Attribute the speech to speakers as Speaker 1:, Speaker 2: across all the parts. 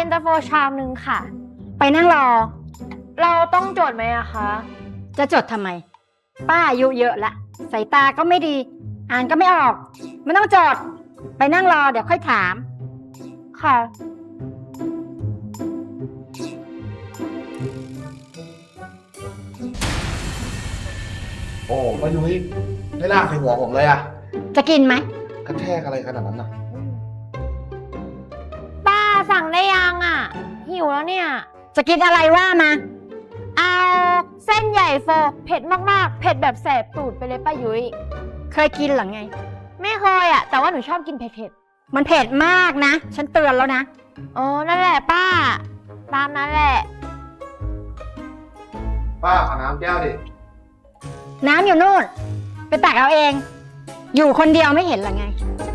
Speaker 1: นตาโฟชามนึงค่ะ
Speaker 2: ไปนั่งรอ
Speaker 1: เราต้องจดไหมอะคะ
Speaker 2: จะจดทำไม ป้าอายุเยอะละสายตาก็ไม่ดี อ่านก็ไม่ออกไม่ต้องจด ไปนั่งรอเดี๋ยวค่อยถาม
Speaker 1: ค่ะ
Speaker 3: โอ้ป้ายุ้ยไม่ลากใส่หัวผมเลยอะ
Speaker 2: จะกินไหม
Speaker 3: กระแทกอะไรขนาดนั้นน่ะ
Speaker 1: ป้าสั่งได้ยังอะหิวแล้วเนี่ย
Speaker 2: จะกินอะไรว่ามา
Speaker 1: เอาเส้นใหญ่โฟเผ็ดมากๆ เผ็ดแบบแสบตูดไปเลยป้ายุ้ย
Speaker 2: เคยกินหรือไง
Speaker 1: ไม่เคยอะแต่ว่าหนูชอบกินเผ็ด
Speaker 2: มันเผ็ดมากนะ ฉันเตือนแล้วนะ
Speaker 1: ๆอ๋อนั่นแหละป้า ตามนั้นแหละ
Speaker 3: ป้าขอน้ำแก้วดิ
Speaker 2: น้ำอยู่นู่น ไปตักเอาเอง อยู่คนเดียวไม่เห็นหรือไง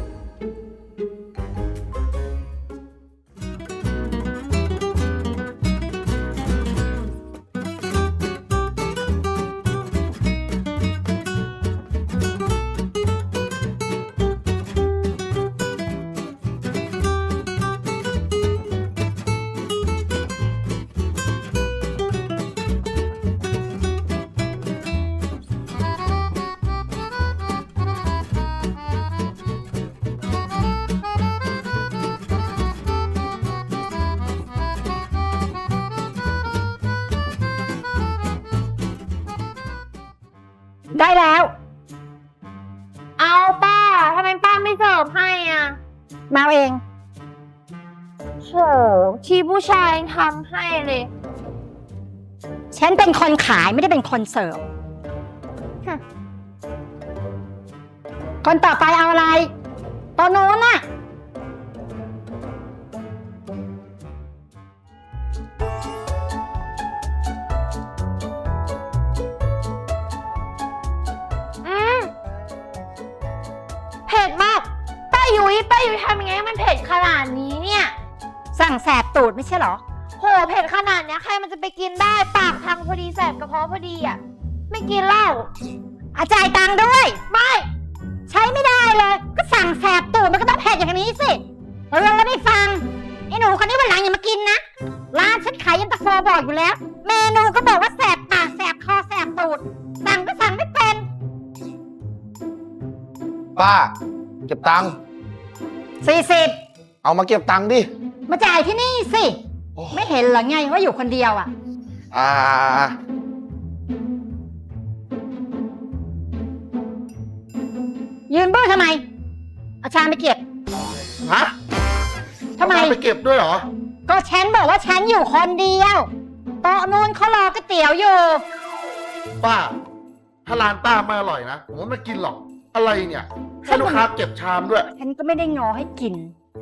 Speaker 2: ได้แล้ว
Speaker 1: เอาป้าทำไมป้าไม่เสิร์ฟให้อ่ะ
Speaker 2: มาเอาเอง
Speaker 1: โหชีผู้ชายทำให้เลย
Speaker 2: ฉันเป็นคนขายไม่ได้เป็นคนเสิร์ฟ
Speaker 1: ฮะ
Speaker 2: คนต่อไปเอาอะไรตัวนู้นน่ะ
Speaker 1: เผ็ดมาก ป้ายุ้ยทำยังไงให้มันเผ็ดขนาดนี้เนี่ย
Speaker 2: สั่งแสบตูดไม่ใช่เหรอ
Speaker 1: โหเผ็ดขนาดเนี้ยใครมันจะไปกินได้ปากพังพอดีแสบกระเพาะพอดีอ่ะ ไม่กินเหล้า
Speaker 2: อาจ่ายตังค์ด้วย
Speaker 1: ไม่
Speaker 2: ใช้ไม่ได้เลย ก็สั่งแสบตูดมันก็ต้องเผ็ดอย่างนี้สิเรื่องแล้วไม่ฟังไอ้หนูคนนี้วันหลังอย่ามากินนะ ร้านฉันขายยันตะโฟบอกอยู่แล้ว เมนูก็บอกว่าแสบปากแสบคอแสบตูด สั่งก็สั่งไม่เป็น
Speaker 3: ป้า เก็บตังค์
Speaker 2: 40
Speaker 3: เอามาเก็บตังค์ดิ
Speaker 2: มาจ่ายที่นี่สิ
Speaker 3: โอ้
Speaker 2: ไม่เห็นเหรอไงว่าอยู่คนเดียวอ่ะ
Speaker 3: อ่า
Speaker 2: ยืนบื้อทำไม เอาชามไปเก็บ
Speaker 3: ฮะ
Speaker 2: ทำไม
Speaker 3: เอาไปเก็บด้วยเหรอ
Speaker 2: ก็ฉันบอกว่าฉันอยู่คนเดียวโต๊ะนู้นเขารอก๋วยเตี๋ยวอยู่
Speaker 3: ป้า ถ้าร้านป้าไม่อร่อยนะ ผมว่าไม่กินหรอก อะไรเนี่ยให้ลูกค้าเก็บชามด้วย
Speaker 2: ฉันก็ไม่ได้งอให้กิน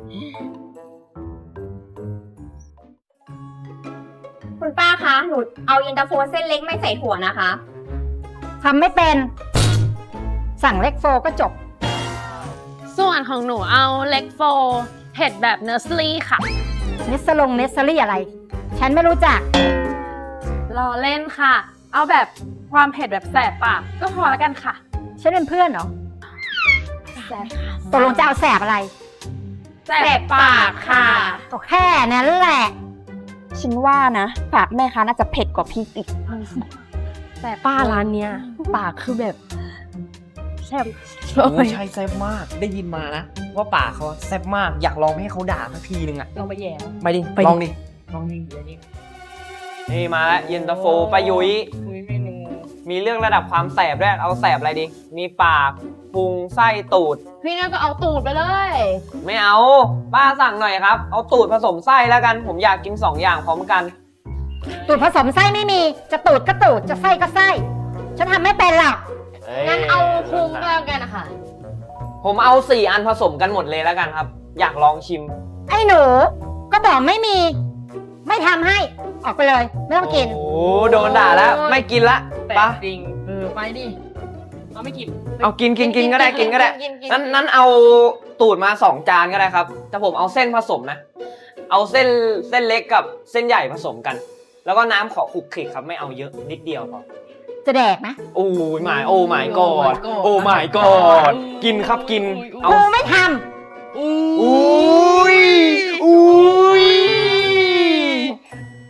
Speaker 4: คุณป้าคะ หนูเอาเย็นตาโฟเส้นเล็กไม่ใส่ถั่วนะคะ
Speaker 2: ทำไม่เป็น สั่งเล็กโฟก็จบ
Speaker 5: ส่วนของหนูเอาเล็กโฟเผ็ดแบบเนอร์สลี่ค่ะ
Speaker 2: เนสเนสซอรี่อะไร ฉันไม่รู้จัก
Speaker 5: รอเล่นค่ะ เอาแบบความเผ็ดแบบแสบปากก็พอแล้วกันค่ะ
Speaker 2: ฉันเป็นเพื่อนเหรอ
Speaker 5: แสบค่ะ
Speaker 2: ตกลงจะเอาแสบอะไร
Speaker 5: แสบปากค่ะ
Speaker 2: ก็แค่นั้นแหละ
Speaker 4: ฉันว่านะปากแม่ค้าน่าจะเผ็ดกว่าพี่อีก
Speaker 5: แต่ป้าร้านเนี้ยปากคือแบบแสบ
Speaker 6: โอ้ใช่แซ่บมากได้ยินมานะว่าป่าเขาแซ่บมากอยากลองให้เขาด่าสักทีนึงอ่ะ
Speaker 5: ลองไปแย่
Speaker 6: ไปดิ
Speaker 5: ไปดิ
Speaker 6: ลองดิลองดินี่มาแล้วเย็นตาโฟป้ายุ้ยมีเรื่องระดับความแสบด้วยเอาแสบอะไรดี มีปากพุงไส้ตูด
Speaker 5: พี่น่าก็เอาตูดไปเลย
Speaker 6: ไม่เอาป้าสั่งหน่อยครับเอาตูดผสมไส้แล้วกัน ผมอยากกิน2อย่างพร้อมกัน
Speaker 2: ตูดผสมไส้ไม่มี จะตูดก็ตูด จะไส้ก็ไส้ ฉันทำไม่เป็นหรอก
Speaker 5: งั้นเอาพุงด้วยกันนะคะ
Speaker 6: ผมเอา4 อันผสมกันหมดเลยแล้วกันครับ อยากลองชิม
Speaker 2: ไอ้หนู ก็บอกไม่มี ไม่ทำให้ ออกไปเลย ไม่ต้องกิน
Speaker 6: โอ้โดนด่าแล้วไม่กินละ
Speaker 5: แต่
Speaker 6: ปะ
Speaker 5: จริงไปดิเอาไม่กิน
Speaker 6: เอากินก็ได้กินก็ได้ นั้นเอาตูดมา2 จานก็ได้ครับ แต่ผมเอาเส้นผสมนะ เอาเส้นเล็กกับเส้นใหญ่ผสมกัน แล้วก็น้ำขอขลุกขลิกครับไม่เอาเยอะนิดเดียวพอ
Speaker 2: จะแดกไหม
Speaker 6: โอ้ยหมายโอ้หมายกอดโอ้หมายกอดกินครับกินเอา
Speaker 2: กูไม่ท
Speaker 6: อุ้ย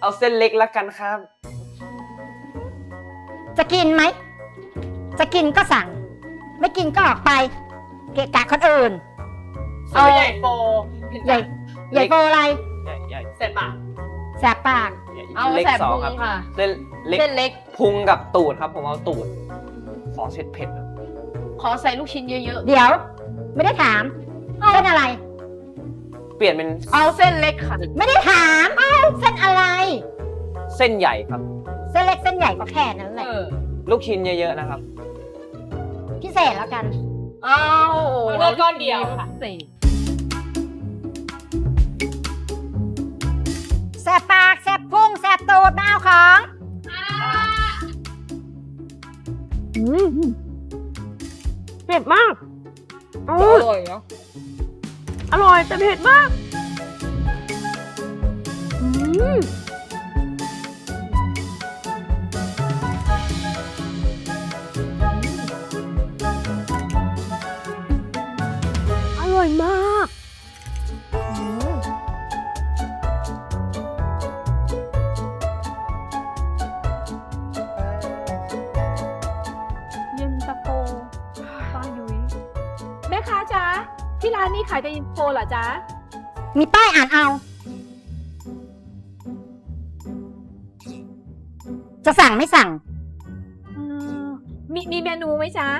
Speaker 6: เอาเส้นเล็กละกันครับ
Speaker 2: จะกินไหม จะกินก็สั่ง ไม่กินก็ออกไป เกะกะคนอื่น
Speaker 5: เอาใหญ่โป
Speaker 2: ใหญ่ใหญ่โตอะไร
Speaker 6: ใหญ่
Speaker 5: เสร็จปะ
Speaker 2: แสบปาก
Speaker 5: เอา
Speaker 6: เล็ก
Speaker 5: แสบ
Speaker 6: สอง
Speaker 5: พุง
Speaker 6: ครับ
Speaker 5: ค่ะ
Speaker 6: เส้นเล็ก
Speaker 5: เส้นเล็ก
Speaker 6: พุงกับตูดครับผมเอาตูด ขอเผ็ดๆครับ
Speaker 5: ขอใส่ลูกชิ้นเยอะ
Speaker 2: เดี๋ยว ไม่ได้ถามเส้นอะไร
Speaker 6: เปลี่ยนเป็น
Speaker 5: ๆ เอาเส้นเล็กค่ะ
Speaker 2: ไม่ได้ถามเส้นอะไร
Speaker 6: เส้นใหญ่ครับ
Speaker 2: เส้นเล็กเส้นใหญ่ก็แค่นั้นแหละ
Speaker 6: ลูกชิ้นเยอะๆนะครับ
Speaker 2: พิเศษแล้วกัน
Speaker 5: เอาเลือกก้อนเดียวค่ะ
Speaker 2: แสบปากแสบพุงแสบตูดมาเอาของ
Speaker 5: เผ็ดมากอร่อยเนาะอร่อยแต่เผ็ดมากอร่อยมากเย็นตาโฟป้ายุ้ยแม่ค้าจ๊ะที่ร้านนี้ขายแต่เย็นตาโฟเหรอจ๊ะ
Speaker 2: มีป้ายอ่านเอา จะสั่งไม่สั่ง
Speaker 5: มีเมนูไหมจ๊ะ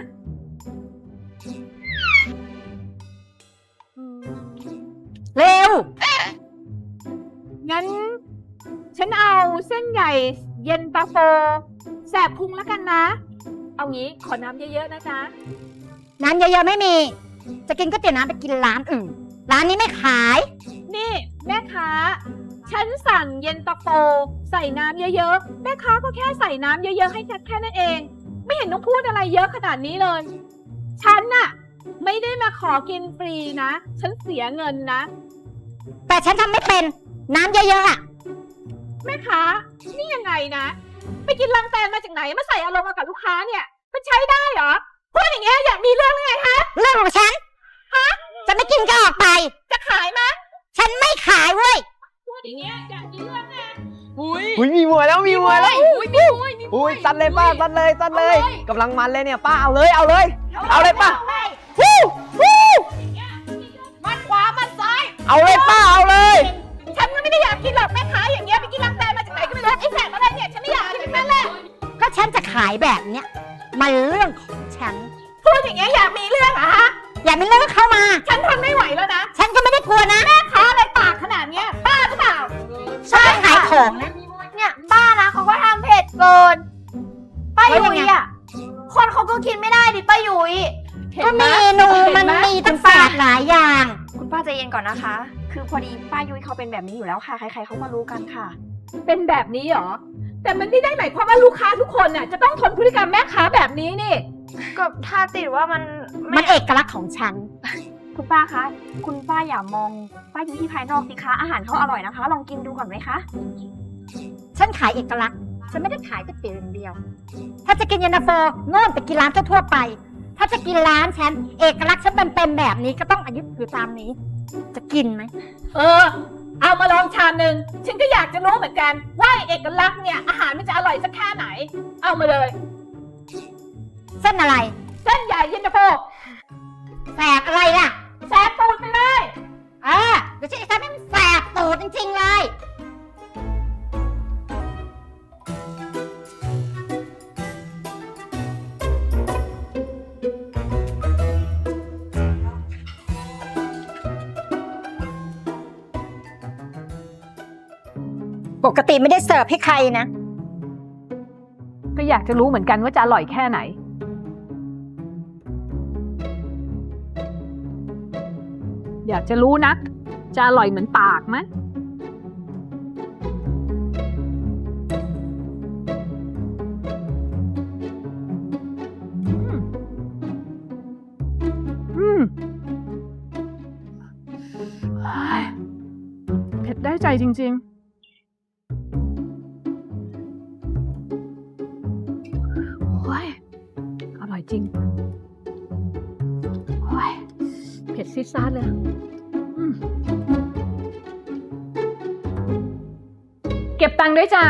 Speaker 2: เร็ว
Speaker 5: งั้น ฉันเอาเส้นใหญ่เย็นตาโฟแสบพุงแล้วกันนะ เอางี้ขอน้ำเยอะๆนะจ๊ะ
Speaker 2: น้ำเยอะๆไม่มี จะกินก๋วยเตี๋ยวน้ำไปกินร้านอื่น ร้านนี้ไม่ขาย
Speaker 5: นี่แม่ค้า ฉันสั่งเย็นตาโฟใส่น้ำเยอะๆ แม่ค้าก็แค่ใส่น้ำเยอะๆให้แค่นั้นเอง ไม่เห็นต้องพูดอะไรเยอะขนาดนี้เลย ฉันน่ะไม่ได้มาขอกินฟรีนะ ฉันเสียเงินนะ
Speaker 2: แต่ฉันทำไม่เป็น น้ำเยอะๆอ่ะ
Speaker 5: แม่ค้านี่ยังไงนะ ไปกินรังแตนมาจากไหนมาใส่อารมณ์มากับลูกค้าเนี่ยมันใช้ได้เหรอพูดอย่างเงี้ยอยากมีเรื่องหรือไงคะ
Speaker 2: เรื่องของฉัน จะไม่กินก็ออกไป
Speaker 5: จะขายไหม
Speaker 2: ฉันไม่ขายเว้ย
Speaker 5: พูดอย่างเงี้ยอยากมีเรื่องไง
Speaker 6: อุ้ยมีมวยแล้วมีมวยแล้วอุ้ยตัดเลยป้าตัดเลยกำลังมันเลยเนี่ยป้าเอาเลยเอาเลยป้าวู้วู้
Speaker 5: มันขวามันซ้าย
Speaker 6: เอาเลยป้าเอาเลย
Speaker 5: ฉันก็ไม่ได้อยากกินหรอกแม่ค้าอย่างเงี้ยไปกินรังแตนมาจากไหนก็ไม่รู้ไอ้แสบอะไรเนี่ยฉันไม่อยากกินนั่นแหละ
Speaker 2: ก็ฉันจะขายแบบเนี้ย มันเรื่องของฉัน
Speaker 5: พูดอย่างเงี้ยอยากมีเรื่องเหรอฮะ
Speaker 2: อย่าไปเลิกเข้ามา
Speaker 5: ฉันทนไม่ไหวแล้วนะ
Speaker 2: ฉันก็ไม่ได้กลัวนะ
Speaker 5: แม่ค้าอะไรปากขนาดเนี้ยบ้าหรือเปล่า
Speaker 2: ฉันจะขายของนะ
Speaker 1: เนี่ยบ้านะเขาก็ทำเผ็ดเกินป้า
Speaker 2: แล้วยั
Speaker 1: ยุ้
Speaker 2: ง
Speaker 1: ย
Speaker 2: ไง
Speaker 1: อ่ะคนเขาก็กินไม่ได้ดิป้ายุ้ย
Speaker 2: ก็เมนูมันมีตั้งแสบหลายอย่าง
Speaker 4: คุณป้าใจเย็นก่อนนะคะ คือพอดีป้ายุ้ยเขาเป็นแบบนี้อยู่แล้วค่ะ ใครๆเขาก็รู้กันค่ะ
Speaker 5: เป็นแบบนี้เหรอ แต่มันไม่ได้หมายความว่าลูกค้าทุกคนน่ะจะต้องทนพฤติกรรมแม่ค้าแบบนี้นี่
Speaker 1: ก็ถ้าติดว่ามัน
Speaker 2: มันเอกลักษณ์ของฉัน
Speaker 4: คุณป้าคะ คุณป้าอย่ามองป้ายุ้ยที่ภายนอกสิคะ อาหารเขาอร่อยนะคะ ลองกินดูก่อนไหมคะ
Speaker 2: ฉันขายเอกลักษณ์ ฉันไม่ได้ขายก๋วยเตี๋ยวอย่างเดียว ถ้าจะกินเย็นตาโฟโน่นไปกินร้านทั่วๆไป ถ้าจะกินร้านฉัน เอกลักษณ์ฉันเป็นแบบนี้ก็ต้องอายุอยู่ตามนี้ จะกินไหม
Speaker 5: เอามาลองชามหนึ่งฉันก็อยากจะรู้เหมือนกันว่าเอกลักษณ์เนี่ยอาหารมันจะอร่อยสักแค่ไหน เอามาเลย
Speaker 2: เส้นอะไร
Speaker 5: เส้นใหญ่เย็นตาโฟ
Speaker 2: แสบอะไรล่ะ
Speaker 5: แสบปูดไปเลย
Speaker 2: เดี๋ยวฉันจะทำให้มันแสบตูดจริงๆเลย ปกติไม่ได้เสิร์ฟให้ใครนะ
Speaker 5: ก็อยากจะรู้เหมือนกันว่าจะอร่อยแค่ไหน อยากจะรู้นะจะอร่อยเหมือนปากไหมเผ็ดได้ใจจริงๆ โอ้ยอร่อยจริง โอ้ยเผ็ดซีดซ่าเลยเก็บตังค์ด้วยจ้า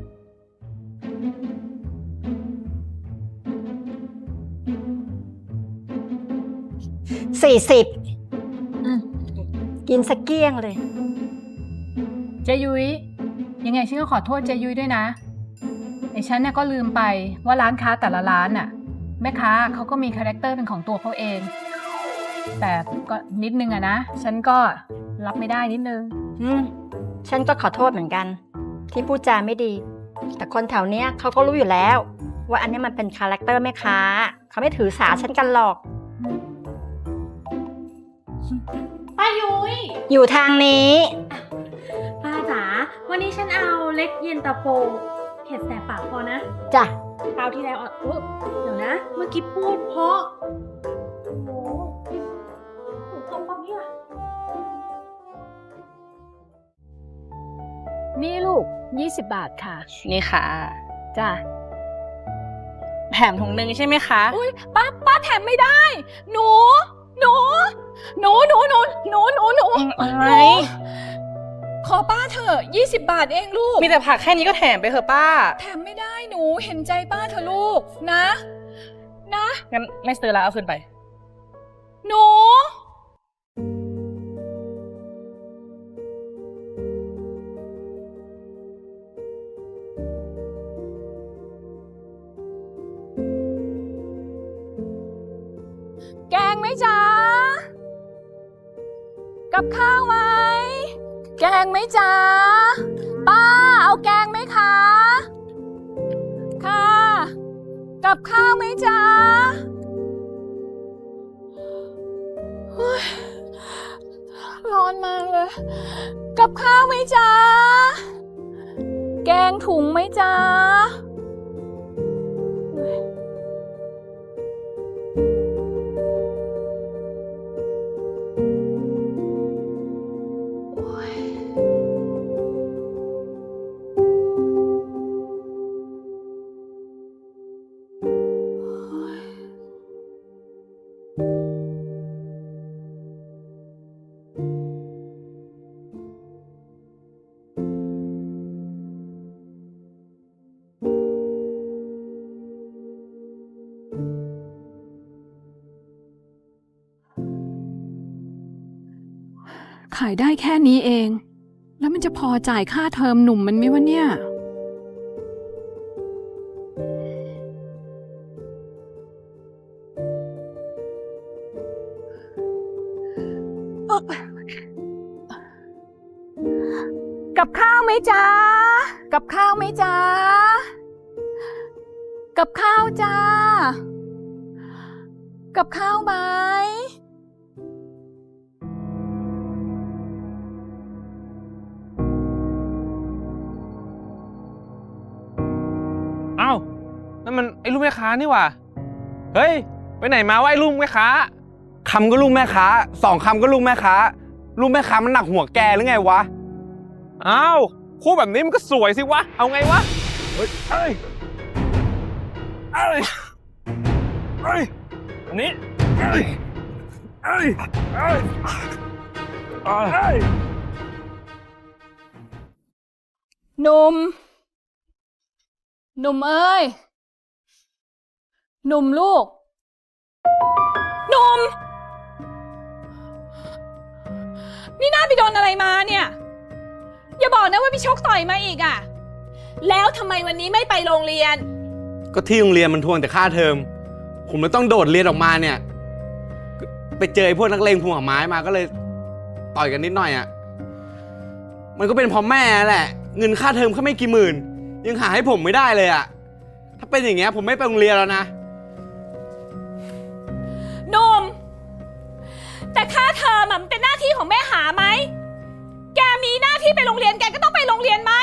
Speaker 2: 40กินสักเกี้ยงเลย
Speaker 5: เจยุ้ยยังไงฉันก็ขอโทษเจยุ้ยด้วยนะไอ้ฉันน่ะก็ลืมไปว่าร้านค้าแต่ละร้านน่ะแม่ค้าเขาก็มีคาแรคเตอร์เป็นของตัวเขาเอง แต่ก็นิดนึงอะนะฉันก็รับไม่ได้นิดนึง
Speaker 2: ฉันก็ขอโทษเหมือนกัน ที่พูดจาไม่ดี แต่คนแถวเนี้ยเขาก็รู้อยู่แล้ว ว่าอันนี้มันเป็นคาแรคเตอร์แม่ค้าเขาไม่ถือสาฉันกันหรอก
Speaker 7: ป้ายุ้ย
Speaker 2: อยู่ทางนี้
Speaker 7: ป้าจ๋า วันนี้ฉันเอาเล็กเย็นตาโฟเผ็ดแสบปากพอนะ
Speaker 2: จ้ะ
Speaker 7: คราวที่แล้วเดี๋ยวนะ เมื่อกี้พูดเพราะโอ้โหหนูตรงปะเนี่ย
Speaker 5: นี่ลูก20 บาทค่ะ
Speaker 8: นี่ค่ะ
Speaker 5: จ้า
Speaker 8: แถมถุงหนึ่งใช่ไหมคะ
Speaker 5: อุ้ยป้าแถมไม่ได้ หนูขอป้าเถอะ20 บาทเองลูก
Speaker 8: มีแต่ผักแค่นี้ก็แถมไปเถอะป้า
Speaker 5: แถมไม่ได้หนูเห็นใจป้าเถอะลูกนะ
Speaker 8: งั้นไม่ซื้อแล้วเอาคืนไป
Speaker 5: หนูแกงไหมจ๊ะกับข้าวไหมแกงไหมจ๊ะป้าเอาแกงไหมคะค่ะกับข้าวไหมจ๊ะเฮ้ยร้อนมากเลยกับข้าวไหมจ๊ะแกงถุงไหมจ๊ะขายได้แค่นี้เอง แล้วมันจะพอจ่ายค่าเทอมหนุ่มมันไหมวะเนี่ย กับข้าวไหมจ๊ะกับข้าวไหมจ๊ะกับข้าวจ้ากับข้าวไหม
Speaker 9: เอ้านั่นมันไอ้ลูกแม่ค้านี่หว่าเฮ้ยไปไหนมาวะไอ้ลูกแม่ค้าคำก็ลูกแม่ค้า2 คำก็ลูกแม่ค้าลูกแม่ค้ามันหนักหัวแกหรือไงวะอ้าวคู่แบบนี้มันก็สวยสิวะเอาไงวะเฮ้ยเอ้ยอันนี้เอ้ย
Speaker 5: หนุ่มเอ้ยหนุ่มลูกหนุ่มนี่หน้าไปโดนอะไรมาเนี่ยอย่าบอกนะว่าพี่ชกต่อยมาอีกอ่ะแล้วทำไมวันนี้ไม่ไปโรงเรียน
Speaker 10: ก็ที่โรงเรียนมันทวงแต่ค่าเทอมผมเลยต้องโดดเรียนออกมาเนี่ยไปเจอไอ้พวกนักเลงพวงไม้มาก็เลยต่อยกันนิดหน่อยอ่ะมันก็เป็นเพราะแม่แหละเงินค่าเทอมแค่ไม่กี่หมื่นยังหาให้ผมไม่ได้เลยอ่ะถ้าเป็นอย่างเงี้ยผมไม่ไปโรงเรียนแล้วนะ
Speaker 5: หนุ่มแต่ค่าเทอมมันเป็นหน้าที่ของแม่หาไหมแกมีหน้าที่ไปโรงเรียนแกก็ต้องไปโรงเรียนไหม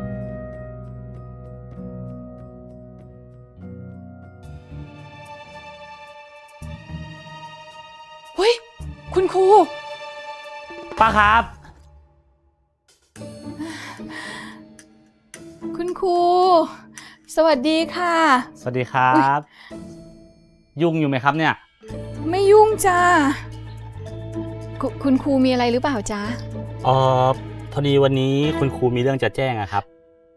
Speaker 5: เฮ้ยคุณครู
Speaker 11: ป้าครับ
Speaker 5: คุณครูสวัสดีค่ะ
Speaker 11: สวัสดีครับ ยุ่งอยู่ไหมครับเนี่ย
Speaker 5: ไม่ยุ่งจ้าคุณครูมีอะไรหรือเปล่าจ๊ะ
Speaker 11: พอดีวันนี้คุณครูมีเรื่องจะแจ้งอะครับ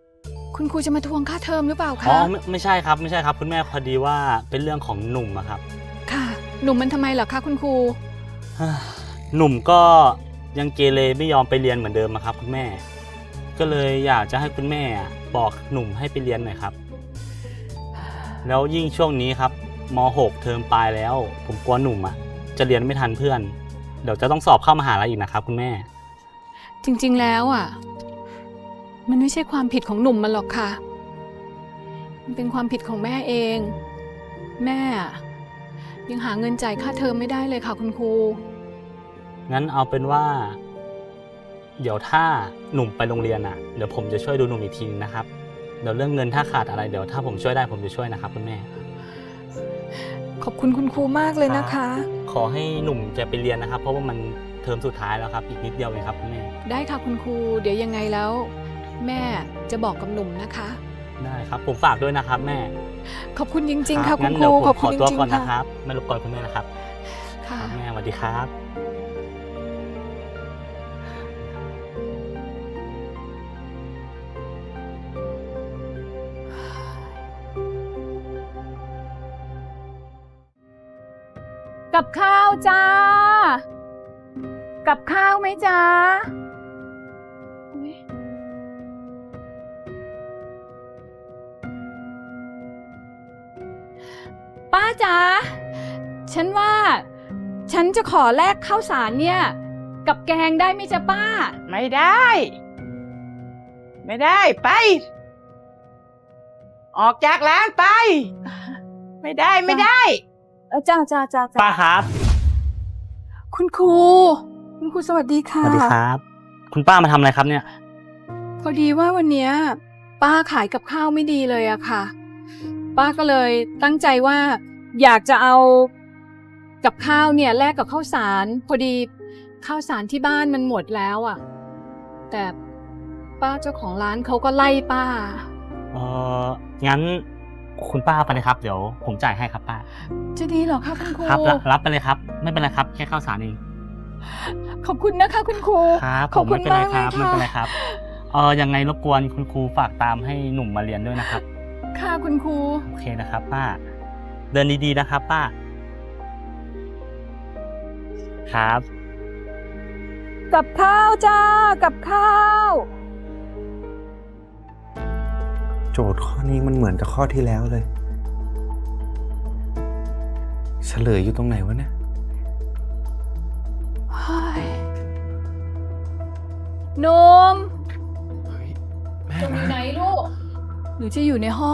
Speaker 7: คุณครูจะมาทวงค่าเทอมหรือเปล่า
Speaker 11: อ๋อ
Speaker 7: คะ
Speaker 11: ไม่ใช่ครับ ไม่ใช่ครับ คุณแม่พอดีว่าเป็นเรื่องของหนุ่มอะครับ
Speaker 7: ค่ะ หนุ่มมันทำไมเหรอคะคุณครู
Speaker 11: หนุ่มก็ยังเกเรไม่ยอมไปเรียนเหมือนเดิมอะครับ คุณแม่ ก็เลยอยากจะให้คุณแม่บอกหนุ่มให้ไปเรียนหน่อยครับ แล้วยิ่งช่วงนี้ครับม.6 เทอมปลายแล้ว ผมกลัวหนุ่มจะเรียนไม่ทันเพื่อน เดี๋ยวจะต้องสอบเข้ามหาลัยอีกนะครับ คุณแม่
Speaker 7: จริงๆแล้วมันไม่ใช่ความผิดของหนุ่มมันหรอกค่ะ มันเป็นความผิดของแม่เอง แม่ยังหาเงินจ่ายค่าเทอมไม่ได้เลยค่ะคุณครู
Speaker 11: งั้นเอาเป็นว่า เดี๋ยวถ้าหนุ่มไปโรงเรียนเดี๋ยวผมจะช่วยดูหนุ่มอีกทีนึงนะครับ เดี๋ยวเรื่องเงินถ้าขาดอะไรเดี๋ยวถ้าผมช่วยได้ผมจะช่วยนะครับคุณแม่
Speaker 7: ขอบคุณคุณครูมากเลยนะคะ
Speaker 11: ขอให้หนุ่มจะไปเรียนนะครับ เพราะว่ามันเทอมสุดท้ายแล้วครับ อีกนิดเดียวเองครับคุณแม่
Speaker 7: ได้ค่ะคุณครู เดี๋ยวยังไงแล้ว แม่จะบอกกับหนุ่มนะคะ
Speaker 11: ได้ครับผมฝากด้วยนะครับแม่
Speaker 7: ขอบคุณจริง ๆ ค่ะคุ
Speaker 11: งั้
Speaker 7: ณ
Speaker 11: น
Speaker 7: ค
Speaker 11: เดี๋
Speaker 7: รู
Speaker 11: ยวผม
Speaker 7: ขอบ
Speaker 11: ข
Speaker 7: คุ
Speaker 11: อ
Speaker 7: ณจ
Speaker 11: ตัว
Speaker 7: ริง
Speaker 11: ก่อน
Speaker 7: ๆ
Speaker 11: นะค
Speaker 7: ค่ะ
Speaker 11: รับไม่รบกวนคุณแม่นะครับ
Speaker 7: ค่ะ
Speaker 11: แม่สวัสดีครับ
Speaker 7: กับข้าวจ้า กับข้าวไหมจ้าอุ๊ยป้าจ๋า ฉันว่า ฉันจะขอแลกข้าวสารเนี่ย กับแกงได้ไหมจ๊ะป้า
Speaker 5: ไม่ได้ ไม่ได้ไป ออกจากร้านไป ไม่ได้ไม่ได้
Speaker 7: จ้า
Speaker 11: ป้าครับ
Speaker 7: คุณครู คุณครูสวัสดี
Speaker 11: ส
Speaker 7: ค่ะ
Speaker 11: วัสดีครับ คุณป้ามาทำอะไรครับเนี่ย
Speaker 7: พอดีว่าวันเนี้ยป้าขายกับข้าวไม่ดีเลยอะค่ะ ป้าก็เลยตั้งใจว่าอยากจะเอากับข้าวเนี่ยแลกกับข้าวสารพอดีข้าวสารที่บ้านมันหมดแล้วอะแต่ป้าเจ้าของร้านเขาก็ไล่ป้า
Speaker 11: งั้นคุณป้าไปเลยครับ เดี๋ยวผมจ่ายให้ครับป้า
Speaker 7: จะดีเหรอคะคุณครู
Speaker 11: ครับรับไปเลยครับ ไม่เป็นไรครับ แค่ข้าวสารเอง
Speaker 7: ขอบคุณนะคะคุณครู
Speaker 11: ครับ
Speaker 7: ขอบคุณ
Speaker 11: ไม่เป็นไร
Speaker 7: มาก
Speaker 11: ค
Speaker 7: เลย
Speaker 11: รับไม่
Speaker 7: ค่ะ
Speaker 11: เป็นไรครับยังไงรบกวนคุณครูฝากตามให้หนุ่มมาเรียนด้วยนะครับ
Speaker 7: ค่ะคุณครู
Speaker 11: โอเคนะครับ ป้า เดินดีๆนะครับ ป้า ครับ
Speaker 7: กับข้าวจ้ากับข้าว
Speaker 10: โจทย์ข้อนี้มันเหมือนกับข้อที่แล้วเลย เฉลยอยู่ตรงไหนวะเนี่ย
Speaker 7: นม
Speaker 10: แม่
Speaker 7: จะอยู่
Speaker 10: มา
Speaker 7: ไหนลูก หรือจะอยู่ในห้อง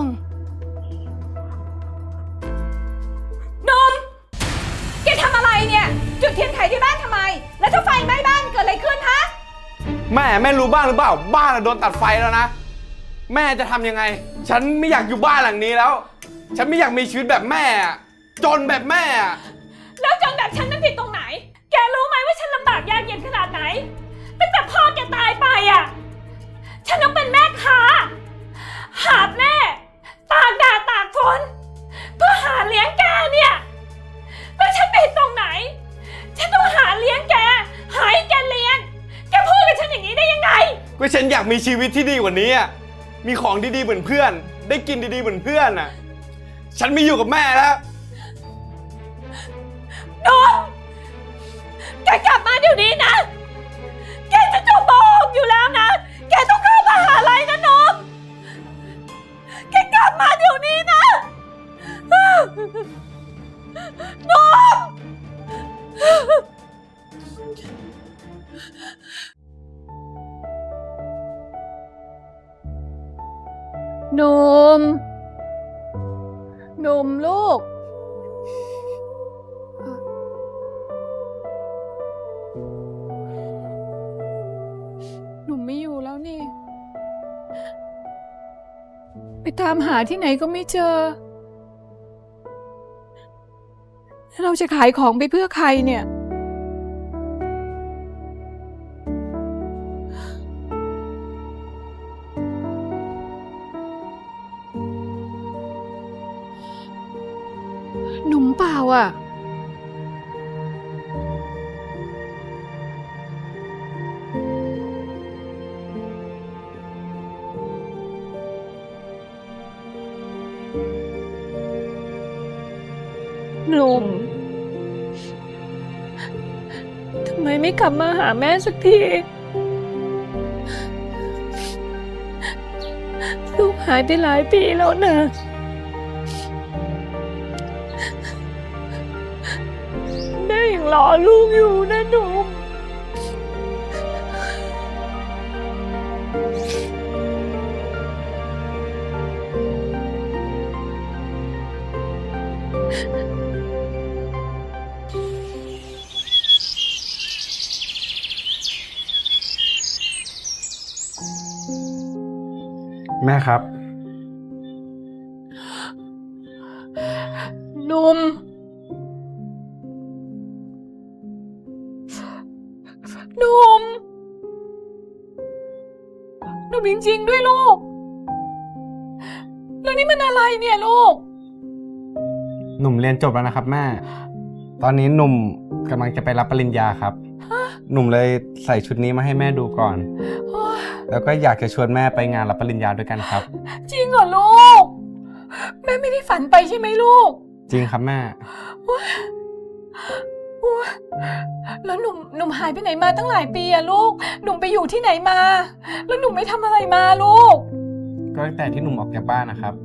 Speaker 7: นม แกทำอะไรเนี่ย จุดเทียนไขที่บ้านทำไม แล้วถ้าไฟไหม้บ้านเกิดอะไรขึ้นฮะ
Speaker 10: แม่รู้บ้างหรือเปล่า บ้านโดนตัดไฟแล้วนะ แม่จะทำยังไง ฉันไม่อยากอยู่บ้านหลังนี้แล้ว ฉันไม่อยากมีชีวิตแบบแม่อะจนแบบแม่อะ
Speaker 7: แล้วจนแบบฉันมันผิดตรงไหน แกรู้ไหมว่าฉันลำบากยากเย็นขนาดไหน ตั้งแต่พ่อแกตายไปอ่ะ ฉันต้องเป็นแม่ค้า หาบแม่ตากแดดตากฝนเพื่อหาเลี้ยงแกเนี่ยแล้วฉันผิดตรงไหน ฉันต้องหาเลี้ยงแก หาให้แกเรียน แกพูดกับฉันอย่างนี้ได้ยังไง
Speaker 10: ก็ฉันอยากมีชีวิตที่ดีกว่านี้อะมีของดีๆเหมือนเพื่อน ได้กินดีๆเหมือนเพื่อนอะฉันไม่อยู่กับแม่แล้ว
Speaker 7: นนท์แกกลับมาเดี๋ยวนี้นะ แกจะจบม .6 อยู่แล้วนะ แกต้องเข้ามหาลัยนะนนท์แกกลับมาเดี๋ยวนี้นะนนท์หนุ่มลูก หนุ่มไม่อยู่แล้วนี่ ไปตามหาที่ไหนก็ไม่เจอ เราจะขายของไปเพื่อใครเนี่ย หนุ่มเปล่าอ่ะหนุ่มทำไมไม่กลับมาหาแม่สักทีลูกหายไปหลายปีแล้วนะแม่ยังรอลูกอยู่นะหนุ่ม
Speaker 10: แม่ครับ
Speaker 7: หนุ่มหนุ่มจริงๆด้วยลูกแล้วนี่มันอะไรเนี่ยลูก
Speaker 10: หนุ่มเรียนจบแล้วนะครับแม่ ตอนนี้หนุ่มกำลังจะไปรับปริญญาครับ หนุ่มเลยใส่ชุดนี้มาให้แม่ดูก่อน แล้วก็อยากจะชวนแม่ไปงานรับปริญญาด้วยกันครับ
Speaker 7: จริงเหรอลูกแม่ไม่ได้ฝันไปใช่ไหมลูก
Speaker 10: จริงครับแม่
Speaker 7: แล้วหนุ่มหายไปไหนมาตั้งหลายปีอะลูกหนุ่มไปอยู่ที่ไหนมา แล้วหนุ่มไม่ทำอะไรมาลูก
Speaker 10: ก็ตั้งแต่ที่หนุ่มออกจากบ้านนะครับ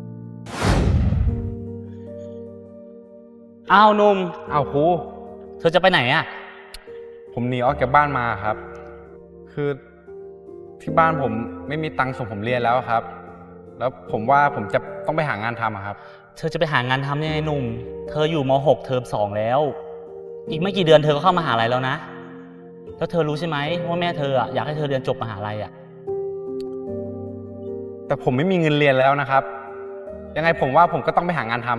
Speaker 11: อ้าวหนุ่ม
Speaker 10: อ้าวครู
Speaker 11: เธอจะไปไหนอ่ะ
Speaker 10: ผมหนีออกจากบ้านมาครับ คือที่บ้านผมไม่มีตังค์ส่งผมเรียนแล้วครับ แล้วผมว่าผมจะต้องไปหางานทำอะครับ
Speaker 11: เธอจะไปหางานทำยังไงหนุ่ม เธออยู่ม.6 เทอม 2 แล้ว อีกไม่กี่เดือนเธอก็เข้ามหาลัยแล้วนะ แล้วเธอรู้ใช่ไหมว่าแม่เธออยากให้เธอเรียนจบมหาลัยอ่ะ
Speaker 10: แต่ผมไม่มีเงินเรียนแล้วนะครับ ยังไงผมว่าผมก็ต้องไปหางานทำ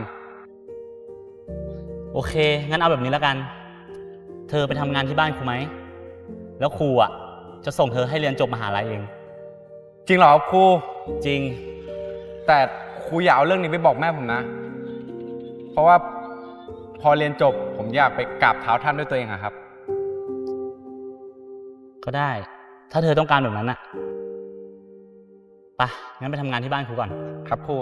Speaker 11: โอเค งั้นเอาแบบนี้แล้วกัน เธอไปทำงานที่บ้านครูไหม แล้วครูจะส่งเธอให้เรียนจบมหาลัยเอง
Speaker 10: จริงเหรอครับครู
Speaker 11: จริง
Speaker 10: แต่ครูอย่าเอาเรื่องนี้ไปบอกแม่ผมนะ เพราะว่าพอเรียนจบผมอยากไปกราบเท้าท่านด้วยตัวเองอะครับ
Speaker 11: ก็ได้ ถ้าเธอต้องการแบบนั้นไปงั้นไปทำงานที่บ้านครูก่อน
Speaker 10: ครับครู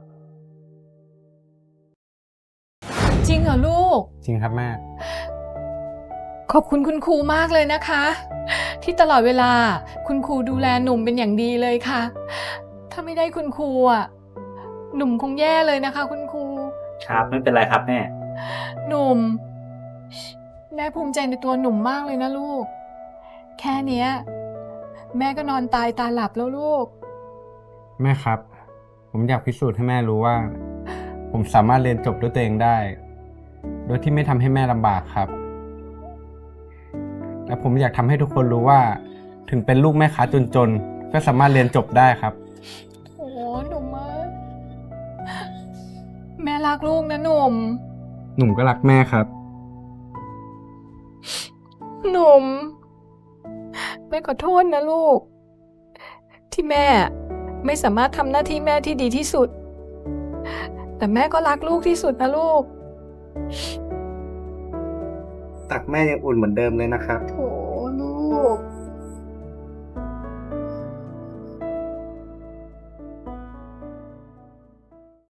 Speaker 7: จริงเหรอลูก
Speaker 10: จริงครับแม่
Speaker 7: ขอบคุณคุณครูมากเลยนะคะ ที่ตลอดเวลาคุณครูดูแลหนุ่มเป็นอย่างดีเลยค่ะ ถ้าไม่ได้คุณครูหนุ่มคงแย่เลยนะคะคุณครู
Speaker 11: ครับไม่เป็นไรครับแม่
Speaker 7: หนุ่มแม่ภูมิใจในตัวหนุ่มมากเลยนะลูก แค่เนี้ยแม่ก็นอนตายตาหลับแล้วลูก
Speaker 10: แม่ครับ ผมอยากพิสูจน์ให้แม่รู้ว่า ผมสามารถเรียนจบด้วยตัวเองได้ โดยที่ไม่ทำให้แม่ลำบากครับ และผมอยากทำให้ทุกคนรู้ว่า ถึงเป็นลูกแม่ค้าจนๆก็สามารถเรียนจบได้ครับ
Speaker 7: โอ้หนุ่มแม่รักลูกนะหนุ่ม
Speaker 10: หนุ่มก็รักแม่ครับ
Speaker 7: หนุ่มแม่ขอโทษนะลูก ที่แม่ไม่สามารถทำหน้าที่แม่ที่ดีที่สุด แต่แม่ก็รักลูกที่สุดนะลูก
Speaker 10: ตักแม่ยังอุ่นเหมือนเดิมเลยนะครับ
Speaker 7: โถลูก